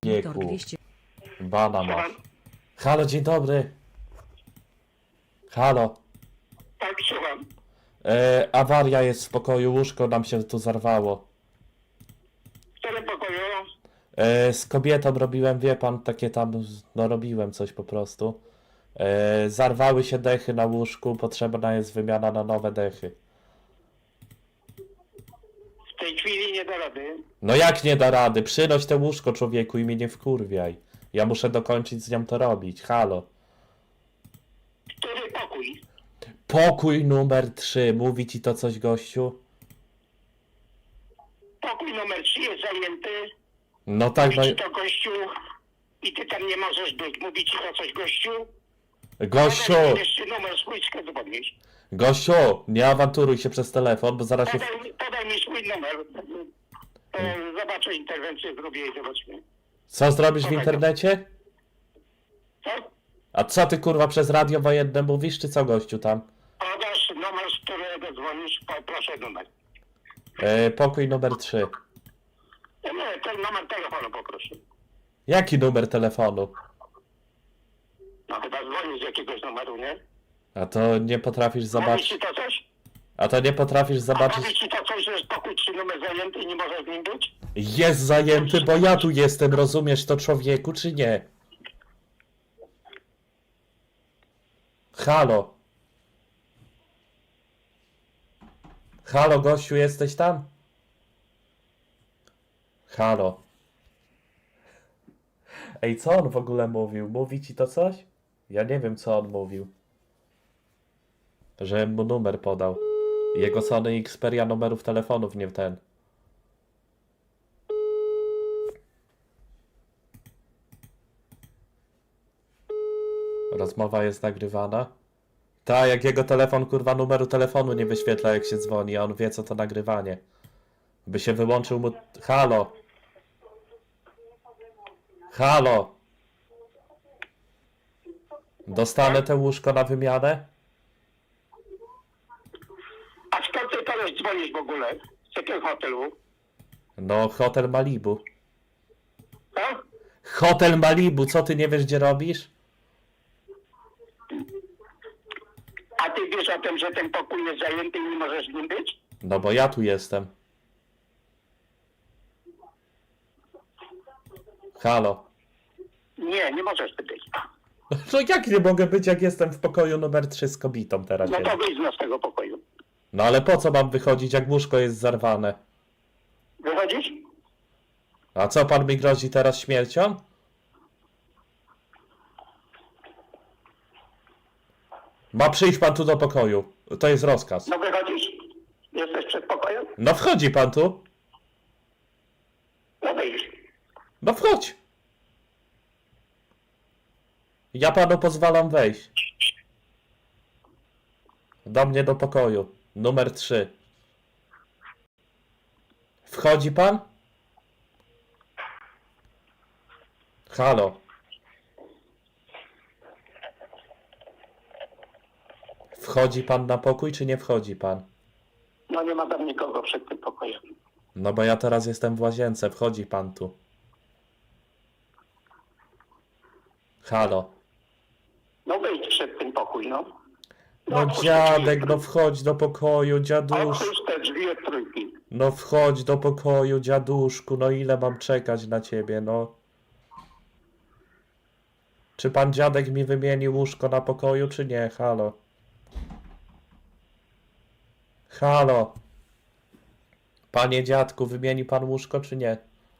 Wiktor Wieku. 200. Bana masz. Halo, dzień dobry. Halo. Tak, słucham. Awaria jest w pokoju, łóżko nam się tu zarwało. W którym pokoju? Z kobietą robiłem, wie pan, takie tam, no robiłem coś po prostu. Zarwały się dechy na łóżku, potrzebna jest wymiana na nowe dechy. W tej chwili nie da rady. No jak nie da rady? Przynoś te łóżko, człowieku, i mnie nie wkurwiaj. Ja muszę dokończyć z nią to robić. Halo. Który pokój? Pokój numer 3. Mówi ci to coś, gościu? Pokój numer 3 jest zajęty. No tak, Mówi no... ci to gościu i ty tam nie możesz być. Mówi ci to coś gościu? Gościu! Podaj mi jeszcze numer swój, skąd podnieść. Gościu! Nie awanturuj się przez telefon, bo zaraz się... Podaj mi swój numer. Zobaczę interwencję, zrobię i zobaczmy. Co zrobisz w internecie? Co? A co ty, kurwa, przez radio wojenne mówisz, czy co, gościu, tam? Podasz numer, z którego dzwonisz, proszę numer. Pokój numer 3. Nie, ten numer telefonu poproszę. Jaki numer telefonu? No chyba dzwonisz z jakiegoś numeru, nie? A to nie potrafisz Mówi zobaczyć... ci to coś? A to nie potrafisz Mówi zobaczyć... ci to coś, że jest pokój 3 numer zajęty i nie możesz z nim być? Jest zajęty, bo ja tu jestem, rozumiesz to, człowieku, czy nie? Halo. Halo, gościu, jesteś tam? Halo. Ej, co on w ogóle mówił? Mówi ci to coś? Ja nie wiem, co on mówił. Że mu numer podał. Jego Sony Xperia numerów telefonów nie ten. Rozmowa jest nagrywana. Tak, jak jego telefon, kurwa, numeru telefonu nie wyświetla, jak się dzwoni, a on wie, co to nagrywanie. By się wyłączył mu... Halo! Halo! Dostanę te łóżko na wymianę? A skąd ty teraz dzwonisz w ogóle? Z jakiego hotelu? No, Hotel Malibu. Co? Hotel Malibu, co ty nie wiesz, gdzie robisz? A ty wiesz o tym, że ten pokój jest zajęty i nie możesz z nim być? No bo ja tu jestem. Halo. Nie, nie możesz ty być. No jak nie mogę być, jak jestem w pokoju numer 3 z kobietą teraz? No siedzę? to wyjdź z tego pokoju. No ale po co mam wychodzić, jak łóżko jest zarwane? Wychodzisz? A co, pan mi grozi teraz śmiercią? Ma przyjść pan tu do pokoju. To jest rozkaz. No wychodzisz? Jesteś przed pokojem? No wchodzi pan tu. No wyjdź. No wchodź. Ja panu pozwalam wejść. Do mnie do pokoju. Numer 3. Wchodzi pan? Halo. Wchodzi pan na pokój, czy nie wchodzi pan? No nie ma tam nikogo przed tym pokojem. No bo ja teraz jestem w łazience. Wchodzi pan tu. Halo. No wyjdź przed tym pokój, no. No otwórz te dziadek, drzwi. no wchodź do pokoju, dziadusz. Otwórz te drzwi od trójki. No wchodź do pokoju, dziaduszku. No ile mam czekać na ciebie, no? Czy pan dziadek mi wymieni łóżko na pokoju, czy nie? Halo. Halo. Panie dziadku, wymieni pan łóżko, czy nie?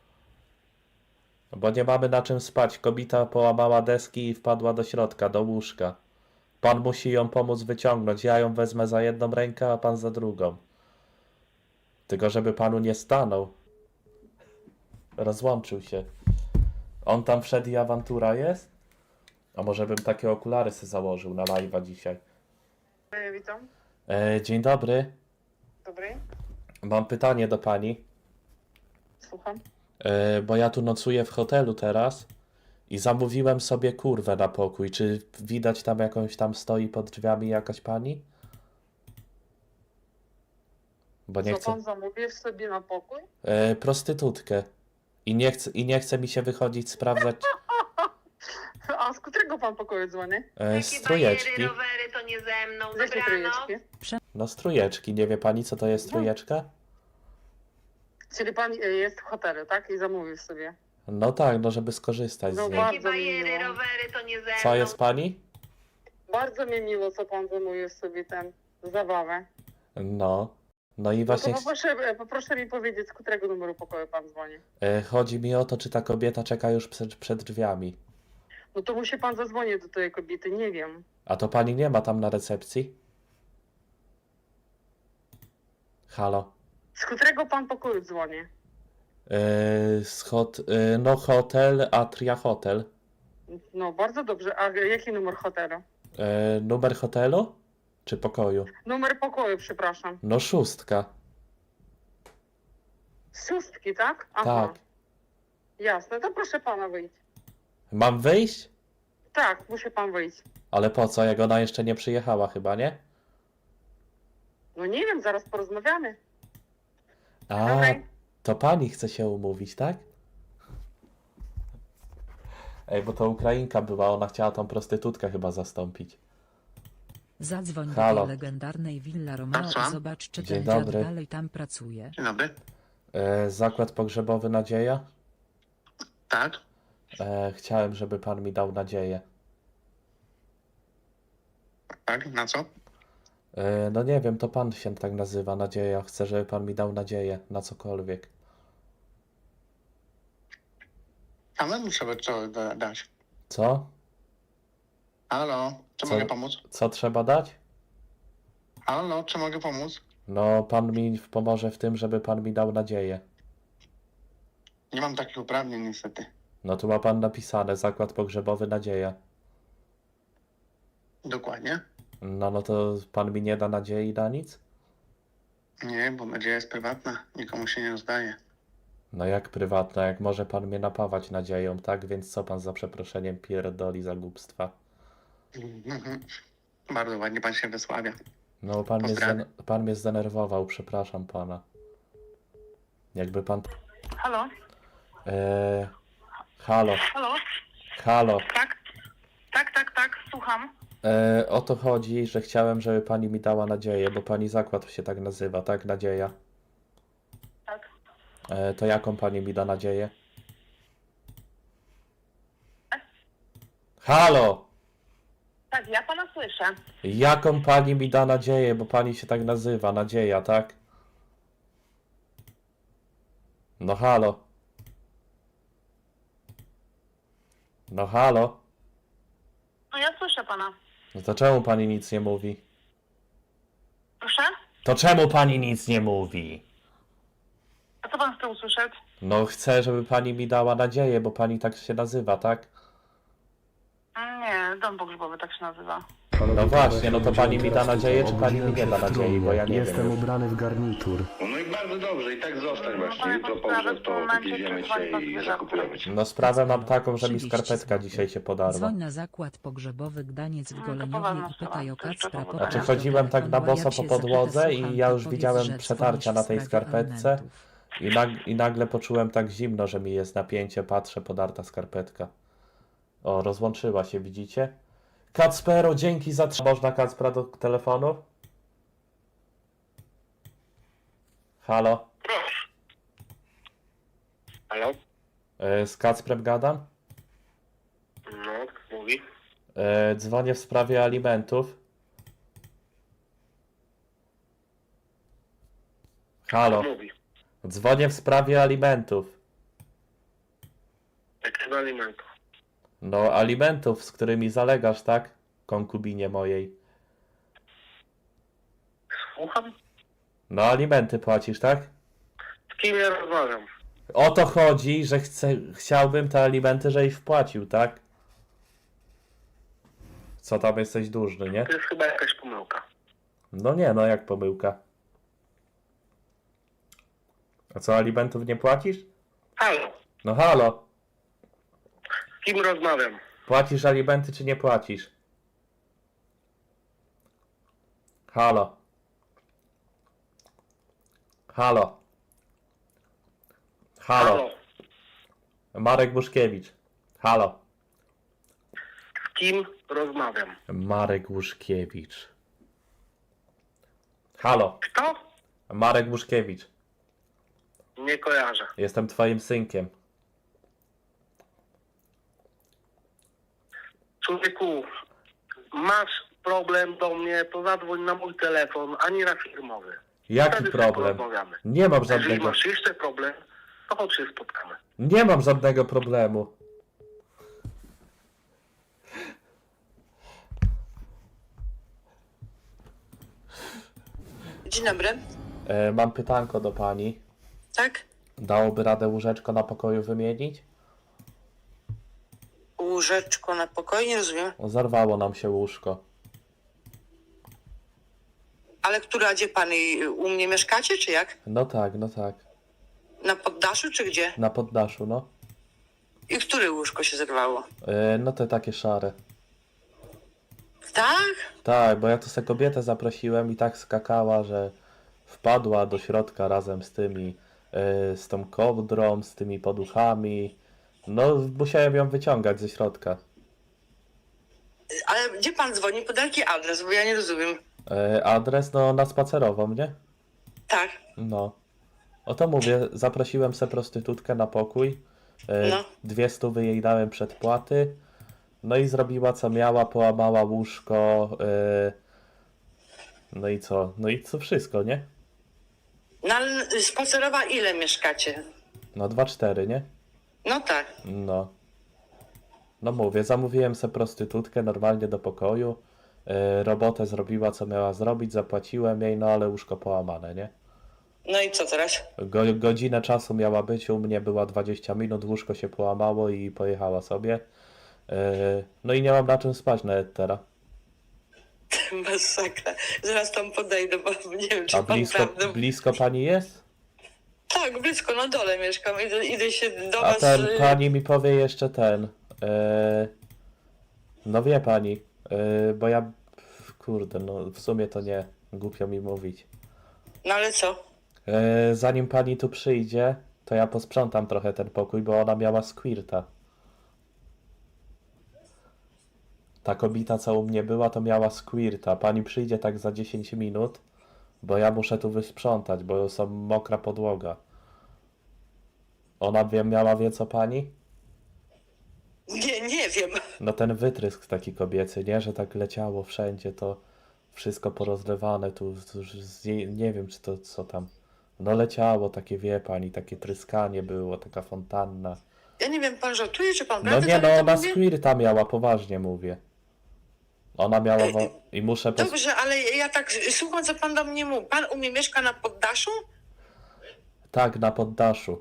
Bo nie mamy na czym spać. Kobieta połamała deski i wpadła do środka, do łóżka. Pan musi ją pomóc wyciągnąć. Ja ją wezmę za jedną rękę, a pan za drugą. Tylko żeby panu nie stanął. Rozłączył się. On tam wszedł i awantura jest? A może bym takie okulary sobie założył na live'a dzisiaj. Witam. Dzień dobry. Dobry. Mam pytanie do pani. Słucham. Bo ja tu nocuję w hotelu teraz i zamówiłem sobie kurwę na pokój. Czy widać tam jakąś tam stoi pod drzwiami jakaś pani? Bo nie Co chcę. pan zamówił sobie na pokój? Prostytutkę. I nie chce mi się wychodzić sprawdzać A z którego pan pokoju dzwoni? z trójeczki. rowery to nie ze mną. Z jakiej trójeczki? No z trójeczki. Nie wie pani, co to jest trójeczka? Czyli pan jest w hotelu, tak? I zamówił sobie. No tak, no żeby skorzystać z No niej. bardzo mi miło. rowery to nie ze mną. Co jest pani? Bardzo mi miło, co pan zamówił sobie ten zabawę. No. No i No właśnie to poproszę mi powiedzieć, z którego numeru pokoju pan dzwoni. chodzi mi o to, czy ta kobieta czeka już przed drzwiami. No to musi pan zadzwonić do tej kobiety, nie wiem. A to pani nie ma tam na recepcji? Halo? Z którego pan pokoju dzwoni? No hotel, Atria Hotel. No bardzo dobrze. A jaki numer hotelu? Numer hotelu? Czy pokoju? Numer pokoju, przepraszam. No 6. Szóstki, tak? Tak. Jasne, to proszę pana wyjść. Mam wyjść? Tak, musi pan wyjść. Ale po co? Jak ona jeszcze nie przyjechała chyba, nie? No nie wiem, zaraz porozmawiamy. A, Okej. to pani chce się umówić, tak? Ej, bo to Ukrainka była, ona chciała tą prostytutkę chyba zastąpić. Zadzwoń do Halo. tej legendarnej Villa Romeo Tak, słucham? i zobacz, czy Dzień ten dziad dobry. dalej tam pracuje. Dzień dobry. Zakład pogrzebowy Nadzieja? Tak. Chciałem, żeby pan mi dał nadzieję. Tak, na co? No nie wiem, to pan się tak nazywa, Nadzieja. Chcę, żeby pan mi dał nadzieję na cokolwiek. Samemu trzeba co dać. Co? Halo, czy Co? mogę pomóc? Co trzeba dać? Halo, czy mogę pomóc? No, pan mi pomoże w tym, żeby pan mi dał nadzieję. Nie mam takich uprawnień niestety. No tu ma pan napisane, zakład pogrzebowy Nadzieja. Dokładnie. No to pan mi nie da nadziei na nic? Nie, bo nadzieja jest prywatna. Nikomu się nie rozdaje. No jak prywatna, jak może pan mnie napawać nadzieją, tak? Więc co pan za przeproszeniem pierdoli za głupstwa? Bardzo ładnie pan się wysławia. No Pozdrawiam. pan mnie zdenerwował, przepraszam pana. Jakby pan... Halo? Halo, Halo? halo. Tak? Tak, słucham. O to chodzi, że chciałem, żeby pani mi dała nadzieję, bo pani zakład się tak nazywa, tak? Nadzieja. Tak. To jaką pani mi da nadzieję? Halo! Tak, ja pana słyszę. Jaką pani mi da nadzieję, bo pani się tak nazywa, Nadzieja, tak? No halo. No halo. No ja słyszę pana. No to czemu pani nic nie mówi? Proszę? To czemu pani nic nie mówi? A co pan chce usłyszeć? No chcę, żeby pani mi dała nadzieję, bo pani tak się nazywa, tak? Nie, dom pogrzebowy tak się nazywa. No właśnie, no to pani mi da nadzieję, czy pani mi nie da nadziei, bo ja nie Jestem wiem już. ubrany w garnitur. No i bardzo dobrze, i tak zostań właśnie. panie Jutro podprawę, pogrzeb, w to tym momencie wywieziemy przesłali cię pan i zwierzęta. zakupujemy cię. No sprawę mam taką, że mi 30 skarpetka zł. dzisiaj się podarła. Dzwoń na zakład pogrzebowy Gdaniec w to Goleniowie poważna i pytaj sprawa. o To jeszcze Kacpra. powód. Znaczy Podaj chodziłem do tak na telefonu, boso jak po się podłodze zapytasz, i słucham, ja to już powiedz, widziałem że przetarcia dzwonisz na w tej sprawie skarpetce alimentów. i nagle poczułem tak zimno, że mi jest napięcie, patrzę, podarta skarpetka. O, rozłączyła się, widzicie? Kacpero, dzięki za... Można Kacpra do telefonu? Halo? Proszę. Halo? Z Kacprem gadam? No, mówi. Dzwonię w sprawie alimentów. Halo? Mówi. Dzwonię w sprawie alimentów. Jakiego alimentu? No, alimentów, z którymi zalegasz, tak? Konkubinie mojej. Słucham? No, alimenty płacisz, tak? Z kim ja rozmawiam? O to chodzi, że chciałbym te alimenty, żebyś wpłacił, tak? Co tam jesteś dłużny, nie? To jest chyba jakaś pomyłka. No nie, no jak pomyłka. A co, alimentów nie płacisz? Halo? No halo, Z kim rozmawiam? płacisz alimenty czy nie płacisz? Halo. Halo. Halo. Marek Łuszkiewicz. Halo. Z kim rozmawiam? Marek Łuszkiewicz. Halo. Kto? Marek Łuszkiewicz. Nie kojarzę. Jestem twoim synkiem. Człowieku, masz problem do mnie, to zadzwoń na mój telefon, a nie na firmowy. Jaki Wtedy sobie problem? porozmawiamy. Nie mam Jeżeli żadnego. masz jeszcze problem, to chodź się spotkamy. Nie mam żadnego problemu. Dzień dobry. Mam pytanko do pani. Tak? Dałoby radę łóżeczko na pokoju wymienić? Łóżeczko na pokoju, nie rozumiem. Zarwało nam się łóżko. Ale która, gdzie pan u mnie mieszkacie, czy jak? No tak, no tak. Na poddaszu, czy gdzie? Na poddaszu, no. I które łóżko się zerwało? No te takie szare. Tak? Tak, bo ja tu se kobietę zaprosiłem i tak skakała, że wpadła do środka razem z tymi, z tą kołdrą, z tymi poduchami. No, musiałem ją wyciągać ze środka. Ale gdzie pan dzwoni? Pod jaki adres? Bo ja nie rozumiem. Adres, no, na spacerową, nie? Tak. No. O to mówię, zaprosiłem se prostytutkę na pokój. No. 200 jej dałem przedpłaty. No i zrobiła co miała, połamała łóżko. No i co? No i co wszystko, nie? No ale spacerowa ile mieszkacie? No 2,4, nie? No tak. No. No mówię, zamówiłem se prostytutkę normalnie do pokoju. Robotę zrobiła co miała zrobić, zapłaciłem jej, no ale łóżko połamane, nie? No i co teraz? Godzinę czasu miała być, u mnie była 20 minut, łóżko się połamało i pojechała sobie. No i nie mam na czym spać nawet teraz. Masakra. Zaraz tam podejdę, bo nie wiem, czy A pan prawdę... blisko pani jest? Tak, blisko, na dole mieszkam. Idę się do A was... ten, pani mi powie jeszcze ten. No wie pani, bo ja, kurde, no w sumie to nie, głupio mi mówić. No ale co? Zanim pani tu przyjdzie, to ja posprzątam trochę ten pokój, bo ona miała squirta. Ta kobieta, co u mnie była, to miała squirta. Pani przyjdzie tak za 10 minut, bo ja muszę tu wysprzątać, bo są mokra podłoga. Ona wie co pani? Nie wiem. No ten wytrysk taki kobiecy, nie? Że tak leciało wszędzie, to wszystko porozlewane, nie wiem czy to co tam. No leciało takie, wie pani, takie tryskanie było, taka fontanna. Ja nie wiem, pan żartuje, czy pan No prawdę nie, no to ona mówi? squirta miała, poważnie mówię. Ona miała i muszę... Dobrze, ale ja tak słucham, co pan do mnie mówi. Pan u mnie mieszka na poddaszu? Tak, na poddaszu.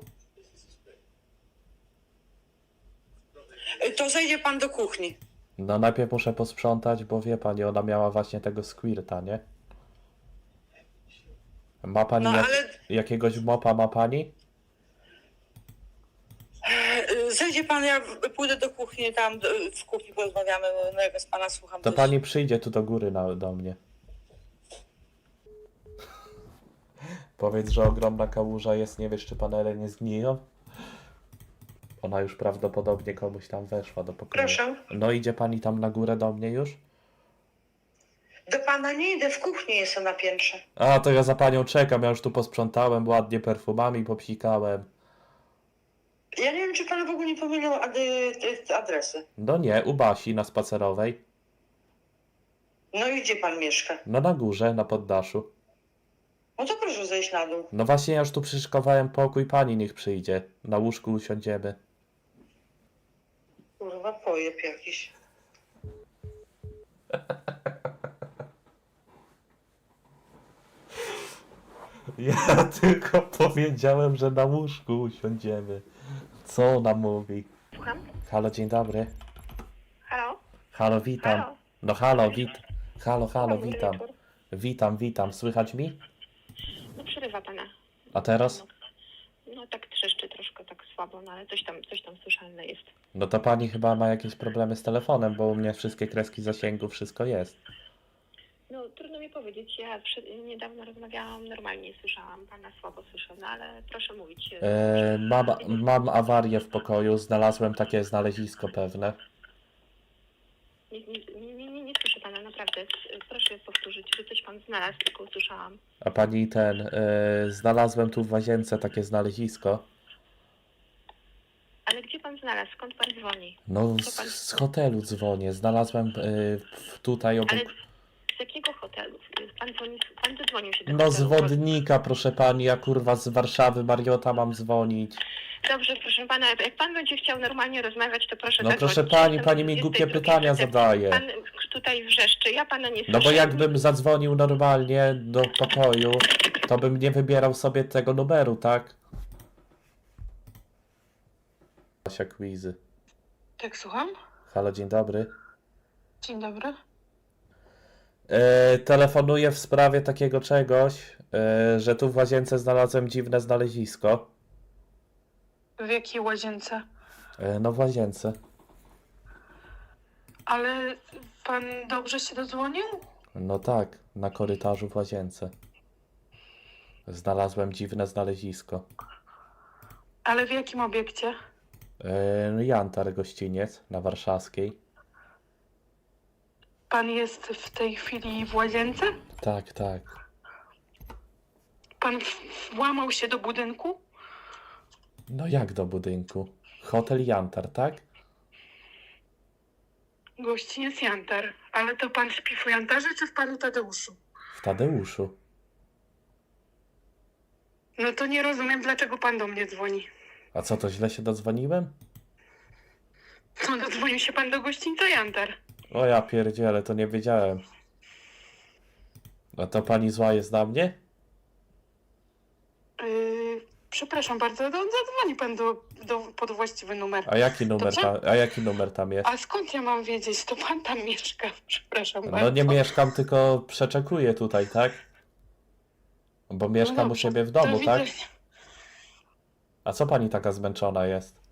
To zejdzie pan do kuchni. No najpierw muszę posprzątać, bo wie pani, ona miała właśnie tego squirta, nie? Ma pani No ale jakiegoś mopa ma pani? zejdzie pan, ja pójdę do kuchni, tam w kuchni porozmawiamy, no jak z pana słucham. To coś. pani przyjdzie tu do góry do mnie. Powiedz, że ogromna kałuża jest, nie wiesz czy panele nie zgniją? Ona już prawdopodobnie komuś tam weszła do pokoju. Proszę. No idzie pani tam na górę do mnie już? Do pana nie idę, w kuchni jestem na piętrze. A, to ja za panią czekam, ja już tu posprzątałem, ładnie perfumami popsikałem. Ja nie wiem, czy pan w ogóle nie pomylił adresy. No nie, u Basi na spacerowej. No i gdzie pan mieszka? No na górze, na poddaszu. No to proszę zejść na dół. No właśnie ja już tu przyszykowałem pokój, pani niech przyjdzie. Na łóżku usiądziemy. Kurwa, pojeb jakiś. Ja tylko powiedziałem, że na łóżku usiądziemy. Co ona mówi? Słucham? Halo, dzień dobry. Halo? Halo, witam. Halo? No halo, halo, Dobry witam. wieczór. Witam. Słychać mi? No przerywa pana. A teraz? No tak trzeszczy troszkę, tak słabo, no ale coś tam słyszalne jest. No to pani chyba ma jakieś problemy z telefonem, bo u mnie wszystkie kreski zasięgu, wszystko jest. No trudno mi powiedzieć. powiedzieć, ja niedawno rozmawiałam, normalnie słyszałam, pana słabo słyszę, no ale proszę mówić. Mam awarię w pokoju, znalazłem takie znalezisko pewne. Nie słyszę pana, naprawdę. Proszę powtórzyć, że coś pan znalazł, tylko usłyszałam. A pani znalazłem tu w łazience takie znalezisko. Ale gdzie pan znalazł? Skąd pan dzwoni? No Co pan- z hotelu dzwonię, znalazłem tutaj obok... Ale z jakiego hotelu? Pan dodzwonił się do No z hotelu. Wodnika, proszę pani, ja kurwa z Warszawy, Mariota mam dzwonić. Dobrze, proszę pana, jak pan będzie chciał normalnie rozmawiać, to proszę No zadzwonić. proszę pani, Jestem pani mi 22 głupie pytania recepcji. zadaje. Pan tutaj wrzeszczy, ja pana nie słyszę. No bo jakbym zadzwonił normalnie do pokoju, to bym nie wybierał sobie tego numeru, tak? Asia Quizy. Tak, słucham? Halo, dzień dobry. Dzień dobry. Telefonuję w sprawie takiego czegoś, że tu w łazience znalazłem dziwne znalezisko. W jakiej łazience? No w łazience. Ale pan dobrze się dodzwonił? No tak, na korytarzu w łazience. Znalazłem dziwne znalezisko. Ale w jakim obiekcie? Jantar gościniec na Warszawskiej. Pan jest w tej chwili w łazience? Tak, tak. Pan włamał się do budynku? No jak do budynku? Hotel Jantar, tak? Gościniec Jantar. Ale to pan śpi w Jantarze czy w panu Tadeuszu? W Tadeuszu. No to nie rozumiem, dlaczego pan do mnie dzwoni. A co, to źle się dodzwoniłem? No dodzwonił się pan do gościńca Jantar. O ja pierdzielę, to nie wiedziałem. A to pani zła jest na mnie? Przepraszam bardzo, zadzwoni pan pod właściwy numer. A jaki numer tam jest? A skąd ja mam wiedzieć? To pan tam mieszka. Przepraszam bardzo. No nie mieszkam, tylko przeczekuję tutaj, tak? Bo mieszkam u dobrze, siebie w do domu, tak? widzenia. A co pani taka zmęczona jest?